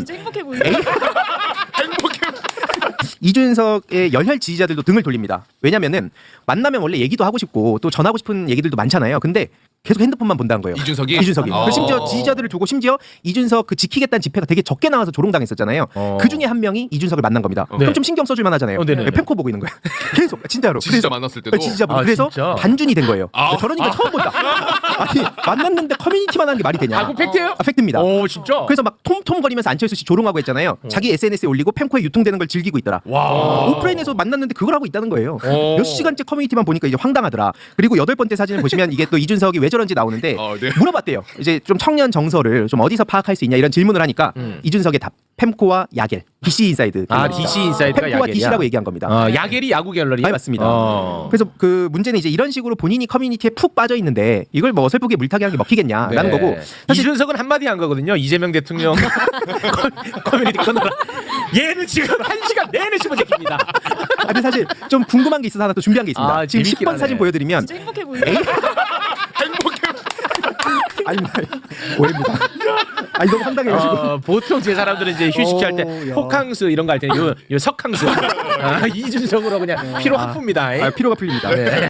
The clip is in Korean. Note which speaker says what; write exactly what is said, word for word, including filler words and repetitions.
Speaker 1: 진짜 행복해 보이네.
Speaker 2: 행복해.
Speaker 3: 이준석의 열혈 지지자들도 등을 돌립니다. 왜냐면은 만나면 원래 얘기도 하고 싶고 또 전하고 싶은 얘기들도 많잖아요. 근데 계속 핸드폰만 본다는 거예요.
Speaker 2: 이준석이?
Speaker 3: 이준석이.
Speaker 2: 어.
Speaker 3: 그 심지어 지지자들을 두고 심지어 이준석 그 지키겠다는 집회가 되게 적게 나와서 조롱당했었잖아요.
Speaker 4: 어.
Speaker 3: 그 중에 한 명이 이준석을 만난 겁니다.
Speaker 2: 네.
Speaker 3: 그럼 좀 신경 써줄만 하잖아요.
Speaker 4: 어, 네네네.
Speaker 3: 펜코 보고 있는 거야. 계속 진짜로.
Speaker 2: 지지자
Speaker 3: 그래서-
Speaker 2: 만났을 때도?
Speaker 3: 지지자분.
Speaker 4: 아,
Speaker 3: 그래서
Speaker 4: 진짜?
Speaker 3: 반준이 된 거예요.
Speaker 2: 아.
Speaker 3: 저러니까 처음 본다. 아니 만났는데 커뮤니티만 하는 게 말이 되냐?
Speaker 4: 아, 그 팩트예요?
Speaker 3: 아, 팩트입니다.
Speaker 4: 오, 진짜?
Speaker 3: 그래서 막 톰톰거리면서 안철수 씨 조롱하고 했잖아요. 자기 에스엔에스에 올리고 펜코에 유통되는 걸 즐기고 있더라.
Speaker 4: 와.
Speaker 3: 오프라인에서 만났는데 그걸 하고 있다는 거예요.
Speaker 4: 오.
Speaker 3: 몇 시간째 커뮤니티만 보니까 이제 황당하더라. 그리고 여덟 번째 사진을 보시면 이게 또 이준석이 왜 저런지 나오는데
Speaker 2: 어, 네.
Speaker 3: 물어봤대요. 이제 좀 청년 정서를 좀 어디서 파악할 수 있냐 이런 질문을 하니까
Speaker 4: 음.
Speaker 3: 이준석의 답. 펜코와 야겔. 디씨 인사이드.
Speaker 4: 아, 디씨 인사이드가
Speaker 3: 펜코와
Speaker 4: 야겔이야?
Speaker 3: 디씨라고 얘기한 겁니다.
Speaker 4: 어, 야겔이 야구 갤러리.
Speaker 3: 아니, 맞습니다.
Speaker 4: 어.
Speaker 3: 그래서 그 문제는 이제 이런 식으로 본인이 커뮤니티에 푹 빠져 있는데 이걸 뭐 어설프게 물타기 하는 게 먹히겠냐라는
Speaker 4: 네.
Speaker 3: 거고 사실
Speaker 4: 이준석은 한마디 한 거거든요. 이재명 대통령 커- 커뮤니티 끊어라. 얘는 지금 한 시간 내내 씹어제깁니다.
Speaker 3: 아, 근데 사실 좀 궁금한 게 있어서 하나 또 준비한 게 있습니다.
Speaker 4: 아,
Speaker 3: 지금
Speaker 4: 재밌긴
Speaker 3: 십 번
Speaker 4: 하네.
Speaker 3: 사진 보여드리면
Speaker 1: 진짜 행복해 보이네.
Speaker 2: 행복해.
Speaker 3: 아니 오해입니다. 아니 너무 황당해가지고.
Speaker 4: 어, 보통 제 사람들은 이제 휴식 취할 때
Speaker 3: 오, 야.
Speaker 4: 호캉스 이런 거 할 때는 요, 요 석캉스. 아, 이준석으로 그냥 피로 확 풉니다.
Speaker 3: 아, 피로가 풀립니다.
Speaker 4: 네.